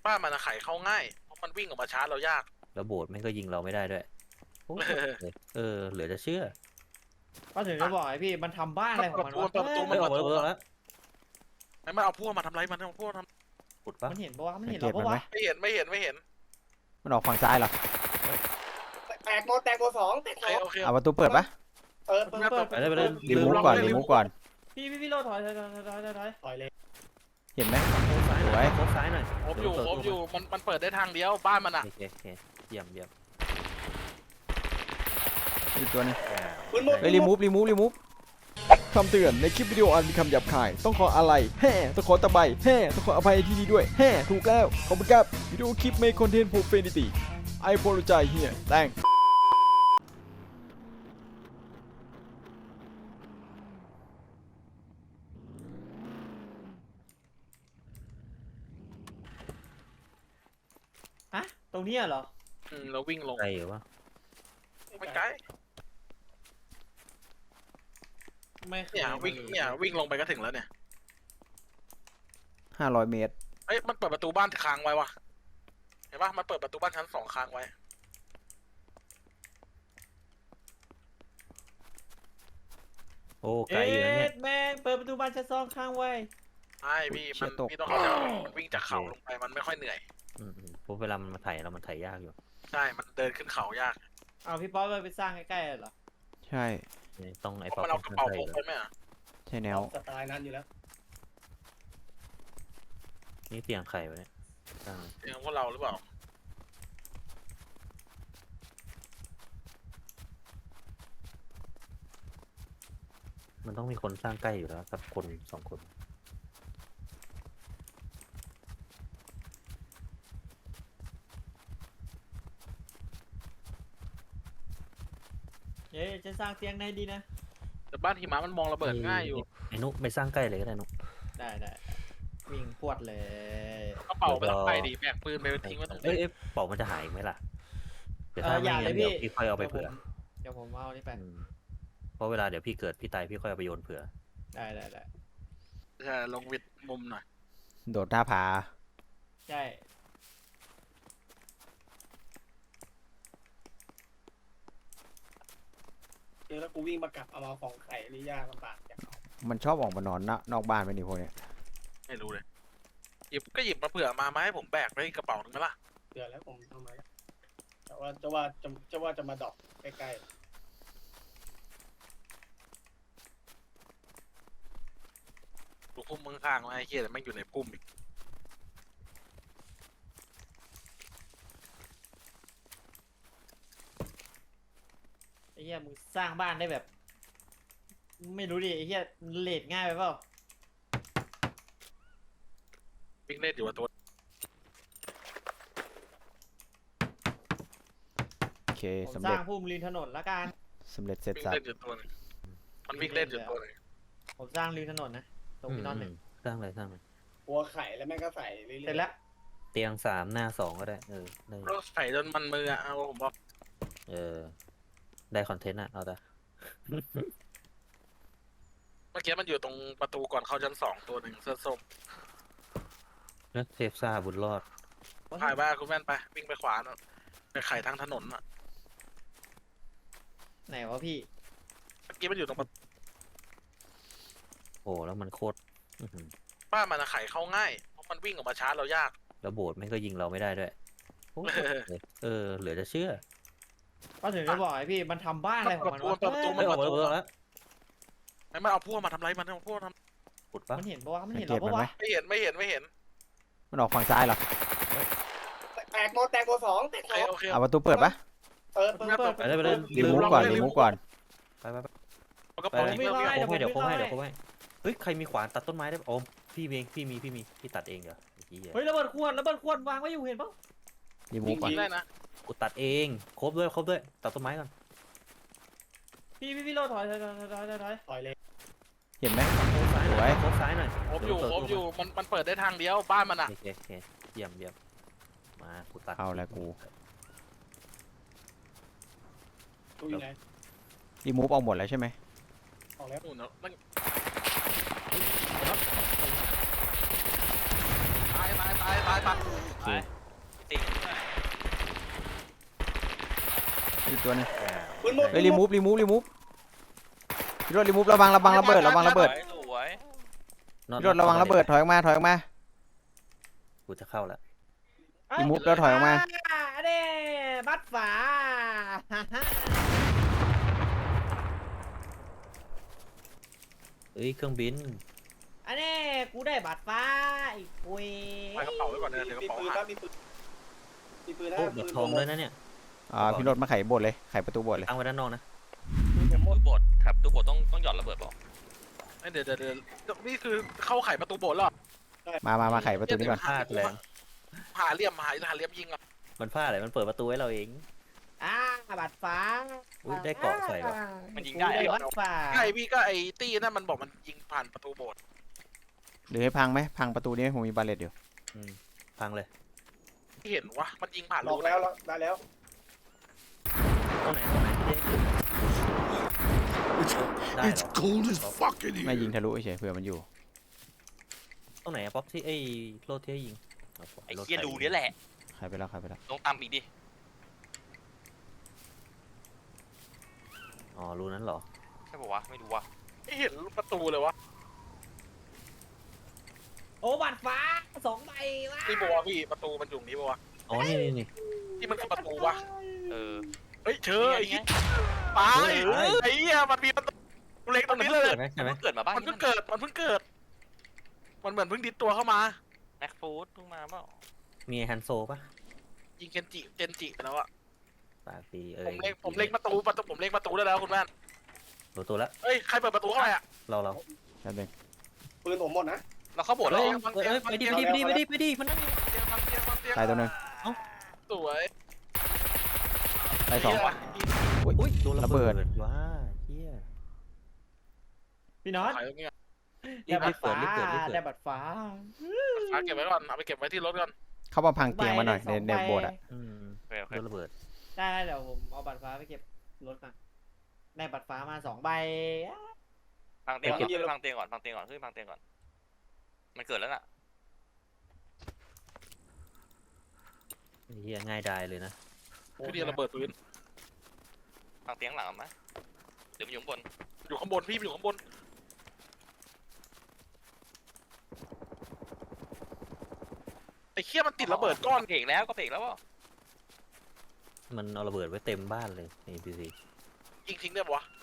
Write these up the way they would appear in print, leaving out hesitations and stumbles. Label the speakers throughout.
Speaker 1: บ้านมันไขเข้าง่ายเพราะมันวิ่งออกมาชาร์จเรายาก
Speaker 2: แล้วโบสถ์แม่งก็ยิงเราไม่ได้ด้วยโอ้เหลือจะเชื่อ
Speaker 3: ก็ถึงจะบอกไอ้พี่มันทำบ้านอะไรของมันวะ
Speaker 1: เปิดประตู
Speaker 2: ไม่ออกมาแล้ว
Speaker 1: ไม่เอาพวกมาทำไรมันเอาพวกท
Speaker 2: ขุดปะ
Speaker 3: มันเห็นปะวะมันเห็นเราปะวะ
Speaker 1: ำไม่เห็น
Speaker 4: มันออกฝั่งซ้ายเหรอ
Speaker 5: แตกโมสองแตก
Speaker 1: โอ
Speaker 5: ส
Speaker 1: เค
Speaker 5: อง
Speaker 1: โอเค
Speaker 4: เอาประตูเปิดปะ
Speaker 5: เปิด
Speaker 2: ไปเลย
Speaker 4: รีมูฟก่อนรีมูฟก่อน
Speaker 3: พี่โลถอย
Speaker 5: ต่อยเลย
Speaker 4: เห็นไหม
Speaker 2: โค้งซ้ายหน่อยโค้งซ้ายหน่อย
Speaker 1: ครบอยู่มันเปิดได้ทางเดียวบ้านมันอ่ะ
Speaker 2: โอเคเยี่ยม
Speaker 4: อีกตัวนึง
Speaker 5: คุณหมด
Speaker 4: เฮ้ยรีมูฟคำเตือนในคลิปวิดีโออาจมีคำหยาบคายต้องขออะไรต้องขอตะไบต้องขออภัยที่นี่ด้วยถูกแล้วขอบคุณครับวิดีโอคลิปไม่คอนเทนต์ profanity I apologize here thanks
Speaker 3: ฮะตรงนี้เหรอ
Speaker 1: เราวิ่งลง
Speaker 2: ไกลอยู่วะ
Speaker 1: ไม่ไกล
Speaker 3: ไม่เคย
Speaker 1: เนี่ยวิ่งลงไปก็ถึงแล้วเนี่ย
Speaker 4: 500 เมตร
Speaker 1: เอ้ยมันเปิดประตูบ้านค้างไว้วะเห็นปะมันเปิดประตูบ้านชั้น2ค้างไว้
Speaker 2: โอ้ไกลอยู่นะเนี่ย
Speaker 3: แม่งเปิดประตูบ้านชั้น2ข้างไว้
Speaker 1: ใช่พี่พี่ต้องเข้าใจว่ามันวิ่งจากเขาลงไปมันไม่ค่อยเหนื่อย
Speaker 2: เพราะเวลามันมาไถเรามันไถยากอยู่
Speaker 1: ใช่มันเดินขึ้นเขายาก
Speaker 3: เอาพี่ป๊อปไปสร้างใกล้ๆเหรอ
Speaker 4: ใช่
Speaker 2: ต้องไอ้
Speaker 1: เพ
Speaker 2: ป๊อป
Speaker 1: ราะมันเอากระเป๋าพกไปไหมอ่ะ
Speaker 4: ใช่แนว
Speaker 5: สไตล์นั้นอยู่แล้ว
Speaker 2: นี่เตียงไข่วะเนี่ย
Speaker 1: เองพวกเราหรือเปล่า
Speaker 2: มันต้องมีคนสร้างใกล้อยู่แล้วครับคน2 คน
Speaker 3: จะสร้างเตียงไหนดีนะ
Speaker 1: แต่บ้านหิมะมันมองระเบิดง่ายอยู่
Speaker 2: ไอ้นุไปสร้างใกล้เลยก็ได้นุ
Speaker 3: ได้วิ่งพวดเลย
Speaker 1: กระเป๋าไปต้องไปดิแบกปืนไปทิ้งไว้ตรง
Speaker 2: เอ้
Speaker 1: นี้
Speaker 2: ยเป๋ามันจะหายไหมล่ะเดี๋ยวถ้าไม่
Speaker 3: อย่า
Speaker 2: งั้น
Speaker 3: เลย
Speaker 2: เดี๋ยว
Speaker 3: พี่
Speaker 2: พี่ค่อยเอาไปเผื่อ
Speaker 3: เดี๋ยวผมเอานี่ไป
Speaker 2: เพราะเวลาเดี๋ยวพี่เกิดพี่ตายพี่ค่อยเอาไปโยนเผื่อ
Speaker 3: ได้
Speaker 1: ใช่ลงวิดมุมหน่อย
Speaker 4: โดดหน้าผา
Speaker 3: ใช่
Speaker 5: เดี๋ยวแล้วกูวิ่งมากลับเอามาของไข่นี่ยากลำบากจัง
Speaker 4: มันชอบออกมานอนนอกบ้านไปนี่พวกเนี้ย
Speaker 1: ไม่รู้เลยหยิบมาเผื่อมาให้ผมแบกไว้กระเป๋าหนึ่งไหมล่ะ
Speaker 5: เดือดแล้วผมทำไมแต่ว่าจะมาดอกใกล้
Speaker 1: ดูพุ่มมึงข้างๆไว้ไอ้เหี้ยแต่แม่งอยู่ในพุ่มอีก
Speaker 3: ไอ้เหี้ยมึงสร้างบ้านได้แบบ ไม่รู้ดิไอ้เหี้ยเลทง่ายไปเปล่า
Speaker 1: วิ่งเล่นอยู่ว่าตัว
Speaker 4: โอเค
Speaker 3: ผม
Speaker 4: สำ
Speaker 3: ส
Speaker 4: เร็
Speaker 3: ร้า
Speaker 4: จ
Speaker 3: งพุ่มริมถนนละกัน
Speaker 4: สำเร็จเสร็จ
Speaker 1: วิ่ง
Speaker 4: สับ
Speaker 1: เล่นอยู่ตัวหนึงมันวิ่งเล่นอยู่ตัวหนึง
Speaker 3: ผมสร้างริมถนนนะตรงพี่นอนหนึ่ง
Speaker 2: สร้างเลย
Speaker 5: ๆหัวไข่แล้วแม่งก็ใส่เรื่อยๆ
Speaker 3: เสร็จแล้ว
Speaker 2: เตียง3หน้า2ก็ได้ได้
Speaker 1: เราใส่จนมันมืออ่ะเอาผมบอก
Speaker 2: ได้คอนเทนต์อะเอาแต่
Speaker 1: เมื่อกี้มันอยู่ตรงประตูก่อนเข้าชั้น2ตัวหนึ่งเสื้อส้ม
Speaker 2: นะเทพซ่าบุญรอด
Speaker 1: ถ่ายบ้าคุณแม่นไปวิ่งไปขวาน่ะไปไขทางถนนอ่ะ
Speaker 3: ไหนวะพี่
Speaker 1: เมื่อกี้มันอยู่ตรงประตู
Speaker 2: โอ้แล้วมันโคตรอื้อหือ
Speaker 1: บ้านมันไขเข้าง่ายเพราะมันวิ่งออกมาชาร์จเรายาก
Speaker 2: แล้วโบสถ์แม่งก็ยิงเราไม่ได้ด้วยโอ้เหลือจะเชื่อ
Speaker 3: ก็ถึงจะบอกไอ้พี่มันทำบ้านอะไรของมันวะ
Speaker 2: ไม่ออกมาแล้ว
Speaker 1: ไม่เอาพวกมาทำไรมันเอาพวกทำ
Speaker 2: ขุดปะ
Speaker 3: มันเห็นปะวะมันเห็น
Speaker 4: เก็
Speaker 3: เรา
Speaker 4: บมัน
Speaker 3: ปะ
Speaker 4: ไหม
Speaker 3: วะ
Speaker 1: ไม่เห็น
Speaker 4: มันออกฝั่งซ้ายเหรอ
Speaker 5: แตกโมสองแตกสอง
Speaker 1: โอเค
Speaker 4: เอาประตูเปิดปะ
Speaker 5: เปิด
Speaker 2: ไปเลย
Speaker 4: รีมูฟก่อนรีมูฟก่อน
Speaker 2: ไป
Speaker 1: เอากระเป๋า
Speaker 2: เ
Speaker 1: ทิ้งไว้
Speaker 2: ดี๋ยวโค้งให้เฮ้ยใครมีขวานตัดต้นไม้ได้โอ้พี่เองพี่ตัดเองเหรอ
Speaker 3: เฮ้ยระเบิดขวดวางไว้อยู่เห็นปะ
Speaker 4: รีมูฟก่อน
Speaker 1: ได้นะ
Speaker 2: กูตัดเองครบด้วยตัดต้นไม้ก่อน
Speaker 3: พี่โลถอย
Speaker 5: ต่อยเลย
Speaker 4: เห็นไหม
Speaker 2: โค้งซ้ายหน่อยโค้งซ้ายหน่อย
Speaker 1: ครบอยู่มันเปิดได้ทางเดียวบ้านมันอ่ะ
Speaker 2: โอเคเยี่ยมมากูตัด
Speaker 4: เอาแล้วกู
Speaker 5: ตู้อยู่ไหน
Speaker 4: รีมูฟเอาหมดแล้วใช่ไหม
Speaker 5: ออกแล้ว
Speaker 1: นู่นเนาะมันตาย
Speaker 6: ติด
Speaker 4: อีกตัวหนึง
Speaker 5: ปืนหมด
Speaker 4: เฮ้ยรีมูฟพี่รถรีมูฟระวังระเบิด
Speaker 6: สวย
Speaker 4: พี่รถระวังระเบิดถอยออกมา
Speaker 2: กูจะเข้าแล้ว
Speaker 4: รีมูฟแล้วถอยออกมา
Speaker 3: เด้บัดฝา
Speaker 2: เอ้ยเครื่องบิน
Speaker 3: อันนี้กูได้บัตรฟ้าอีกคุย
Speaker 1: ไปกระเป๋าไว้ก่อนเดี๋ยวกระ
Speaker 5: มี
Speaker 1: เป๋า
Speaker 5: ปืน
Speaker 1: หาย
Speaker 5: นะมีปืนมีปืนนะ
Speaker 2: โอ้บัตรทองด้วยนะเนี่ย
Speaker 4: พี่รถมาไขโบสถ์เลยไขประตูโบสถ์เลย
Speaker 2: ตั้งไว้ด้านนอกนะ
Speaker 6: ตู้โบดครับตู้โบดต้องหย่อนระเบิดเปล่า
Speaker 1: เดี๋ยวนี่คือเข้าไขประตูโบสถ์แล้ว
Speaker 4: มาไขประตูนี้ก่อน
Speaker 2: พลาดแรง
Speaker 1: หาเหลี่ยมยิงอ่ะ
Speaker 2: มันพลาดอะไรมันเปิดประตูให้เราเอง
Speaker 3: บัตรฟ้า
Speaker 2: อุ๊ยได้เกราะใส่ว่ะ
Speaker 6: มันยิงได้
Speaker 3: กู
Speaker 6: เหรอ
Speaker 3: บัตรฟ้า
Speaker 1: ไอ้พี่ก็ไอ้ตี้นั่นมันบอกมันยิงผ่านประตูโบสถ์
Speaker 4: หรือให้พังไหมพังประตูนี้ไหมผมมีบาเลตอยู่
Speaker 2: พังเลย
Speaker 1: ที่เห็นวะมันยิงผ่าน
Speaker 5: หลอกแล้วได้แล้ว
Speaker 2: ตรงไหนได้เหรอ
Speaker 7: cold as fuck in
Speaker 4: ไม่
Speaker 7: here.
Speaker 4: ยิงทะลุเฉยเผื่อมันอยู่
Speaker 2: ตรงไหนอะป๊อปที่ไอ้โลดที่ให้ยิง
Speaker 6: ไอ้เหี้ยรูนี่แหละ
Speaker 4: ใครไปแล้ว
Speaker 6: ลงตามอีกดิ
Speaker 2: อ๋อรูนั้นเหรอ
Speaker 6: ใช่ป่าวะไม่รู้ว่ะ
Speaker 1: ไม่เห็นประตูเลยวะ
Speaker 3: โอ้บัตรฟ้า2 ใบวะ
Speaker 1: นี่บัวพี่ประตูมันอยู่นี้บัว
Speaker 2: อ๋อนี่
Speaker 1: ที่มันคือประตูวะ
Speaker 6: เออ
Speaker 1: เฮ้ยเชิญไอ้ที่ตายไอ้เหี้ยมันมีประตูเล็กตรงนี้เลย
Speaker 2: ใช่ไหมใช่ไหม
Speaker 6: เกิดมาบ้าง
Speaker 1: มันเพิ่งเกิดมันเหมือนเพิ่งดิดตัวเข้ามา
Speaker 6: แม็กฟูดเพิ่งมาเปล่า
Speaker 2: มีฮันโซปะ
Speaker 1: ยิงเจนจิไปแล้วอะ
Speaker 2: ปากดี
Speaker 1: ผมเล็งประตูผมเล็งประตูได้แล้วคุณแม่
Speaker 2: รู้ตัวละ
Speaker 1: เฮ้ยใครเปิดประตูเข้าไปอะ
Speaker 2: เรา
Speaker 4: แป๊บนึง
Speaker 5: ปืนผมหมดนะ
Speaker 6: เราเข้าโบดแล้ว
Speaker 2: ไปดิมันนั่ง
Speaker 4: ตายตัวหนึง
Speaker 1: สวย
Speaker 4: ตายสอง
Speaker 2: อุ้ยโดนระเบิดว้าเฮีย
Speaker 3: พี่น็อต
Speaker 1: ขายตรงนี้
Speaker 3: ได้บัตรฟ้า
Speaker 2: รีบเกิด
Speaker 3: ได้บัตรฟ้า
Speaker 1: เก็บไว้ก่อนเอาไปเก็บไว้ที่รถก่อน
Speaker 4: เข้ามาพังเตียงมาหน่อยในโบสถ์อะ
Speaker 6: โอเค
Speaker 2: โดนระเบิด
Speaker 3: ได้เดี๋ยวผมเอาบัตรฟ้าไปเก็บรถก่อนได้บัตรฟ้ามา2 ใบ
Speaker 6: พังเตียงก่อนขึ้นพังเตียงก่อนมันเกิดแล้วน่ะ
Speaker 2: เฮียง่ายดายเลยนะ
Speaker 1: คือเดียวระเบิดพื้น
Speaker 6: พังเตียงหลังมั้ยหรือมันอยู่ข้างบน
Speaker 1: อยู่ข้างบนพี่อยู่ข้างบนไอ้เคี้ยมันติดระเบิดก้อน
Speaker 6: เบรกแล้วอ่ะ
Speaker 2: มันเอาระเบิดไว้เต็มบ้านเลยใน NPC
Speaker 1: ยิงทิ้งได้ปะวะ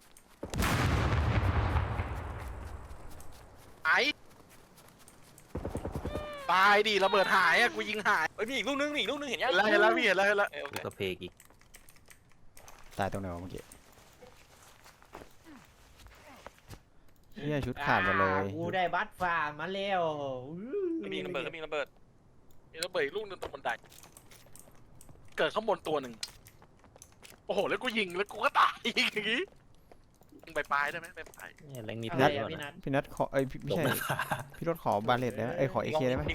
Speaker 1: ไอ้ตายดิระเบิดหายอะกูยิงหาย
Speaker 6: เฮ้ยมีอีกลูกนึงเห็นยัง
Speaker 1: เห็นแล้วพี่เห็นแล้ว
Speaker 6: โอเค
Speaker 2: ก็เพกอีก
Speaker 4: ตายตรงไหนวะเมื่อกี้เฮียชุดขาดหมดเลย
Speaker 3: กูได้บัตรฟ้ามาแล้ว
Speaker 6: มีระเบิด
Speaker 1: มีระเบิดอีกลูกนึงตรงบันไดเกิดข้างบนตัวหนึ่งโอ้โหแล้วกูยิงแล้วกูก็ตายอีกอย่างงี้ยิงไปปลายได้ไหมไปปลาย
Speaker 2: เนี่ยแรงมี
Speaker 3: อะ
Speaker 2: เพ
Speaker 3: ไร
Speaker 2: ก
Speaker 3: อะ
Speaker 2: ด้วย
Speaker 3: พี่
Speaker 2: นะ
Speaker 3: นัท
Speaker 4: พี่นัทขอไม่
Speaker 2: ตก
Speaker 4: ใช่
Speaker 2: หน้าผา
Speaker 4: พี่รถขอบาเลตได้ไหมขอเอเคได้ไหม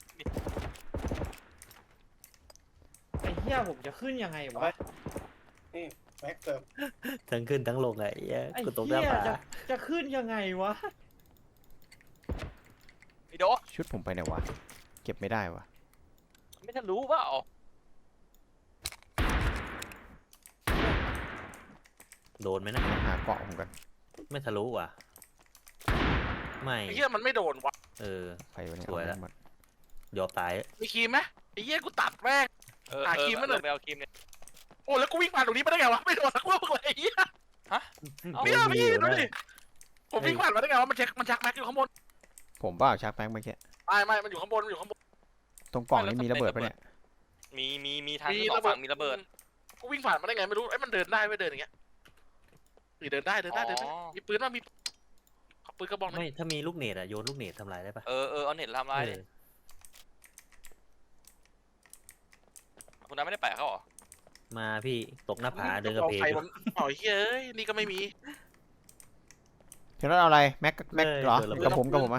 Speaker 3: ไอ้เหี้ยผมจะขึ้นยังไงวะ
Speaker 5: นี่แม็กเติม
Speaker 2: ทั้งขึ้นทั้งลงไงเฮีย
Speaker 3: ไอ้
Speaker 2: กูตกห
Speaker 3: เหี้
Speaker 2: น้าย ผา
Speaker 3: จะขึ้นยังไงวะ
Speaker 6: ไอ้โด
Speaker 4: ชุดผมไปไหนวะเก็บไม่ได้วะ
Speaker 6: ไม่ทันรู้เปล่า
Speaker 2: โดนไหมนะ
Speaker 4: หาเกาะผมกัน
Speaker 2: ไม่ทะลุว่ะไม่
Speaker 1: ไอ้เหี้ยมันไม่โดนวะ
Speaker 2: เออ
Speaker 4: ไปวันนี้
Speaker 2: สวยแล้ว
Speaker 4: เอาหมด
Speaker 2: ยอมตาย
Speaker 1: มีครีมไหมไอ้เหี้ยกูตัดแม่ง หาครีมมาหน่อย
Speaker 6: ไปเอาครีมเนี่ย
Speaker 1: โอ้แล้วกูวิ่งผ่านตรงนี้มาได้ไงวะไม่โดนสักลูกเลยไอ้เหี้ย
Speaker 6: เอา
Speaker 1: พี่ดูดิผมวิ่งผ่านมาได้ไงวะมันชักแม็กอยู่ข้างบน
Speaker 4: ผมบ้าชักแป้งเมื่อกี้
Speaker 1: ไม่มันอยู่ข้างบนอยู่ข้างบน
Speaker 4: ตรงกล่องนี้มีระเบิดปะเนี่ย
Speaker 6: มีทางสองฝั่งมีระเบิด
Speaker 1: กูวิ่งผ่านมาได้ไงไม่รู้ไอ้มันเดินได้ไม่เดินอย่างเงี้ยเดินได้มีปืนว่ามีขอปืนกระบอกนึง
Speaker 2: ไม่ถ้ามีลูกเนตอะโยนลูกเนตทำลายได้ปะ
Speaker 6: เออเอาเน็ตทำลายเลยคุณน้าไม่ได้แปะเขาหรอ
Speaker 2: มาพี่ตกหน้าผาเดินกระเพก
Speaker 1: ใครมันอ๋อเฮ้ยนี่ก็ไม่มี
Speaker 4: พี่รถเอาอะไรแม็กเหรอกับผมอะ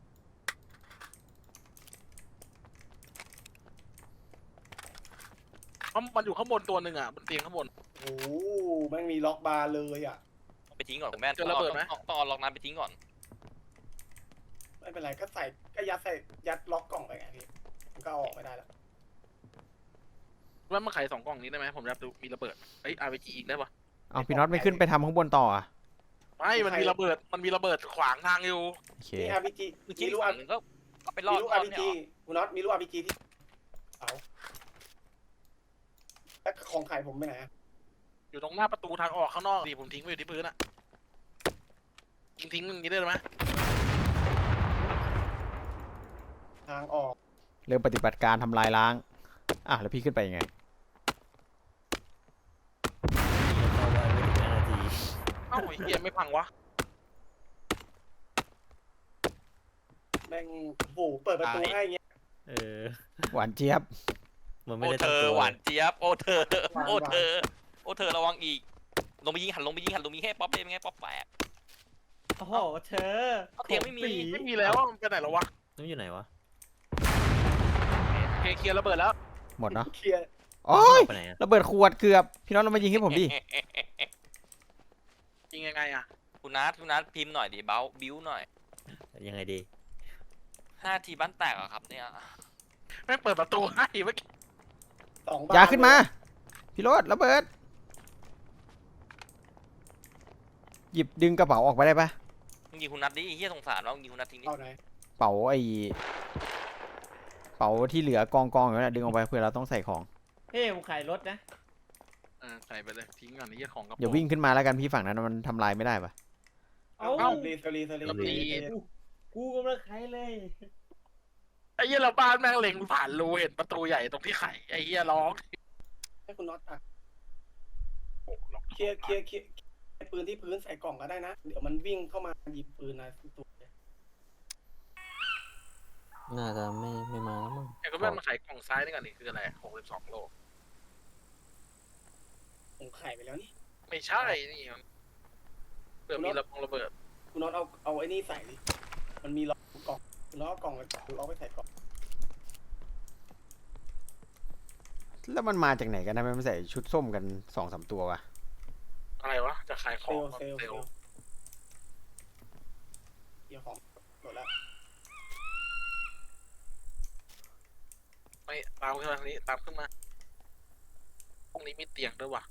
Speaker 1: มันอยู่ข้างบนตัวหนึ่งอ่ะบนเตียงข้างบน
Speaker 5: โอ้โหแม่งมีล็อกบาร์เลยอ่ะ
Speaker 6: ไปทิ้งก่อนคุณแม่
Speaker 1: เจอระเบิดไหม
Speaker 6: ต้องเอาล็อกน้ำไปทิ้งก่อน
Speaker 5: ไม่เป็นไรก็ใส่ก็ยัดล็อกกล่องไปไงพี่มันก็เอาออกไม่ได้แล้ว
Speaker 1: ว่ามาขาย2 กล่องนี้ได้ไหมผมอยากดูมีระเบิดเอ้ย RPG อีกได้ปะ
Speaker 4: เอาพี่น็อตไม่ขึ้นไปทำข้างบนต่ออ่ะ
Speaker 1: ไม่มันมีระเบิดขวางทางอยู่
Speaker 4: โอเค
Speaker 5: มี RPG
Speaker 6: เมื่อ
Speaker 5: มี
Speaker 6: กี้
Speaker 5: ลูก
Speaker 6: ฝั่งหนึงก็ไปรอ
Speaker 5: มี
Speaker 6: ด
Speaker 5: ลูก
Speaker 6: รอด
Speaker 5: RPG
Speaker 6: เนี่ย
Speaker 5: คุณน็อตมีลูก RPG ที่เอาแล้วของขายผมไปไหนอะ
Speaker 1: อยู่ตรงหน้าประตูทางออกข้างนอกดิผมทิ้งไว้อยู่ที่พื้นอะทิ้งอย่างนี้ได้ไหม
Speaker 5: ทางออก
Speaker 4: เริ่มปฏิบัติการทำลายล้างอ่ะแล้วพี่ขึ้นไปยังไง
Speaker 2: เข้าบ้านไม่ถึง5 นาที
Speaker 1: เอ้าไอ้เหี้ยไม่พังวะ
Speaker 5: แม่งโอ้โหเปิดประตูให้เงี้ย
Speaker 2: เออ
Speaker 4: หวานเจี๊ยบ
Speaker 2: มันไม่
Speaker 6: โอ้
Speaker 2: ได้
Speaker 6: เธ
Speaker 2: ตั้ง
Speaker 6: อ
Speaker 2: ตัว
Speaker 6: หวานเจี๊ยบโอ้เธอ
Speaker 5: หวาน
Speaker 6: โอ้เธอโอ้เธอระวังอีกลงไปยิงหันลงไปยิงให้ป๊อปเลยเป็นไงป๊อปแฝก
Speaker 3: โอ้โหเธอ
Speaker 6: เอาเตียงไม่มี
Speaker 3: ขปี
Speaker 1: ไม่มีแล้วอะมันไปไหนแล้ววะ
Speaker 2: น้ำอยู่ไหนวะ
Speaker 1: เคลียร์ระเบิดแล้ว
Speaker 4: หมดเนาะ
Speaker 5: เคลียร์
Speaker 4: โอ้ย
Speaker 2: ไปไหนอะ
Speaker 4: ระเบิดขวดเกือบพี่น็อตเรามายิงให้ผมดิ
Speaker 1: ยิงยังไงอะ
Speaker 6: คุณนัทพิมพ์หน่อยดิบิ้วหน่อย
Speaker 2: ยังไงดี
Speaker 6: 5 ทีบ้านแตกอะครับเนี่ย
Speaker 1: แม่งเปิดประตูให้เมื่อกี้
Speaker 5: 2 บ้าน
Speaker 4: อย่าขึ้นมาพี่โรดระเบิดหยิบดึงกระเป๋าออกไปได้ปะ
Speaker 6: มึงยิงคุณนัทดิเฮียสงสารว่ามึงยิงคุณนัททิ้งดิ
Speaker 5: เอาไหน
Speaker 4: เป๋าไอเป๋าที่เหลือกองอยู่นั่นดึงออกไปเพื่อเราต้องใส่ของ
Speaker 3: เฮ้ยผมขายรถนะ
Speaker 1: ใส่ไปเลยทิ้งก่อนนี่ของกระ
Speaker 4: อย่า
Speaker 1: โปรง
Speaker 4: วิ่งขึ้นมาแล้วกันพี่ฝั่งนั้นมันทำลายไม่ได้ปะ
Speaker 3: เอ้า
Speaker 5: สลี
Speaker 3: กูกำลังขายเลย
Speaker 1: ไอ้เหี้ยเราบ้านแม่งเล็งผ่านรูเห็นประตูใหญ่ตรงที่ไข่ไอ้เหี้ยร้อง
Speaker 5: ให้คุณน็อตอ่ะ
Speaker 1: โอ้ล็อก
Speaker 5: เคลียร์ปืนที่พื้นใส่กล่องก็ได้นะ เดี๋ยวมันวิ่งเข้ามาหยิบปืนนะตัว
Speaker 2: น่าจะไม่มาแล้วมั้ง
Speaker 1: ไอ้ก็แม่งมาขายกล่องซ้ายนี่ก่อนนี่คืออะไร62 โล
Speaker 5: ผมขายไปแล้วนี่
Speaker 1: ไม่ใช่นี่มันเผื่อมีระเบิด
Speaker 5: คุณน็อตเอาไอ้นี่ใส่ดิมันมีล็อกกล่องคุณน็อตเอากล่องไปล็อกไปใส่กล่อง
Speaker 4: แล้วมันมาจากไหนกันนะมันใส่ชุดส้มกัน2-3 ตัววะ
Speaker 1: อะไรวะจะขายข
Speaker 5: เซ
Speaker 1: อง
Speaker 5: ลเซลเดี๋ยวของหมดแล้ว
Speaker 1: ไม่ตามขึ้นมาทางนี้ตามขึ้นมาตรงนี้มีเตียงด้วยวะ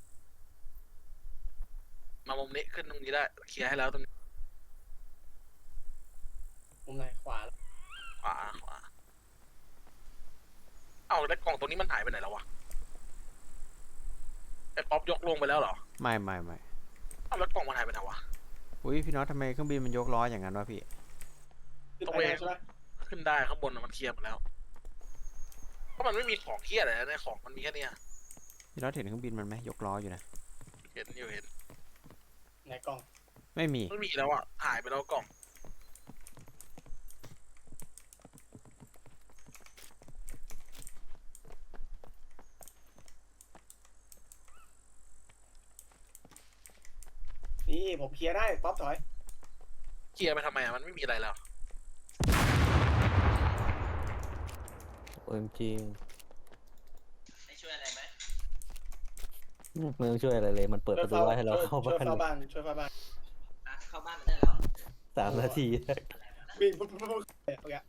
Speaker 1: มามุมนี้ขึ้นตรงนี้ได้เคลียร์ให้แล้วตรงนี้
Speaker 5: มุมไหนขวา
Speaker 1: ขวาเอ้าแล้วกล่องตรงนี้มันหายไปไหนแล้ววะไอ้ป๊อปยกลงไปแล้วเหรอ
Speaker 4: ไม่
Speaker 1: เอ้าแล้วกล่องมันหายไปไหนวะ
Speaker 4: อุ้ยพี่น็อตทำไมเครื่องบินมันยกล้ออย่างนั้นวะพี่
Speaker 5: ขึ้นไปแล้วใช่ไหม
Speaker 1: ขึ้นได้ข้างบนน่ะมันเคลียร์หมดแล้วเพราะมันไม่มีของเคลียร์อะไรนะของมันมีแค่เนี้ย
Speaker 4: พี่น็อตเห็นเครื่องบินมันไหมยกล้ออยู่นะ
Speaker 1: เห็น
Speaker 5: ไหนกล่อง
Speaker 4: ไม่มี
Speaker 1: ไม่มีแล้วอ่ะหายไปแล้วกล่อง
Speaker 5: นี่ผมเคลียร์ได้ป๊อปถอย
Speaker 1: เคลียร์ไปทำไมอ่ะมันไม่มีอะไรแล้ว
Speaker 2: OMG
Speaker 6: ไม่ช่วยอะไรไหม
Speaker 2: ไม่ต้องช่วยอะไรเลย มันเปิดประตูไว้ให้เราเข้า
Speaker 5: ช่วย
Speaker 2: บ้าน
Speaker 5: เฝ้าบ้านช่วยเฝ้าบ้าน
Speaker 6: เข้าบ้านมันได้แล้ว
Speaker 2: 3 นาที
Speaker 5: วิ่งปุ๊บโอเค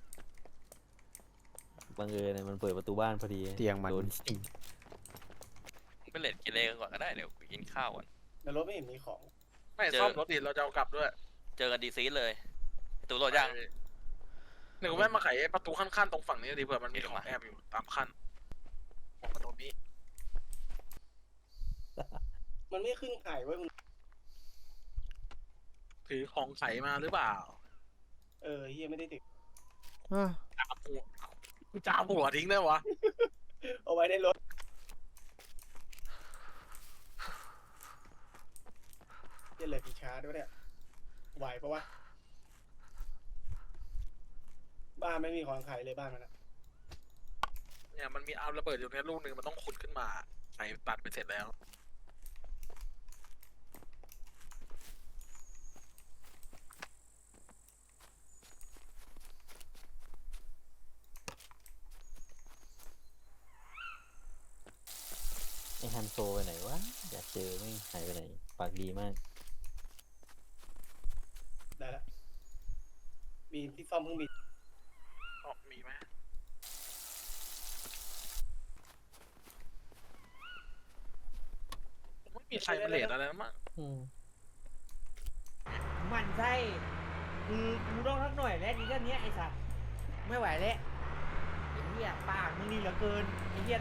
Speaker 2: บังเอิญเนี่ยมันเปิดประตูบ้านพอดี
Speaker 4: เตียงมัน
Speaker 2: โดนยิง
Speaker 6: ไปเล่นกินเลก่อนก็ได้เดี๋ยวกินข้าวก่อน
Speaker 5: ในรถไม่เห็นมีของ
Speaker 1: ไม่ซ่อมรถดิเราจะเอากลับด้วย
Speaker 6: เจอกันดีซีเลยตูโหลดยัง
Speaker 1: หนึ่งแม่มาไขไอ้ประตูขั้นๆตรงฝั่งนี้ดิเผื่อมันมีของแอบอยู่ตามขั้นของประตูนี้
Speaker 5: มันไม่ขึ้นไข่ไว้ยคุณ
Speaker 1: ถือของไขมาหรือเปล่า
Speaker 5: เฮียไม่ได้ติด
Speaker 4: อ้าว
Speaker 1: จามหัวจามหัวทิ้งได้วะ
Speaker 5: เอาไว้ในรถเฮียเหลยกี่ชาร์จด้วยเนี่ยไหวปะวะบ้านไม่มีของขายเลยบ้านมันอะ
Speaker 1: เนี่ยมันมีอาร์มระเบิดอยู่ในลูกหนึ่งมันต้องขุดขึ้นมาใส่ตัดไปเสร็จแล้ว
Speaker 2: ไอฮันโซไปไหนวะ อยากเจอไม่หายไปไหน ปากดีมาก
Speaker 5: ได้แล้วมีที่ซ่อมเครื่องบิน
Speaker 1: มีไหมไม่มีใครมาเลทอะไรแล้วมั้ง
Speaker 3: มันใช่กูต้องทักหน่อยแล้วนี่แค่เนี้ยไอ้สัตว์ไม่ไหวแล้วไอ้เหี้ยปากมึงนี่เหลือเกินไอ้เหี้ย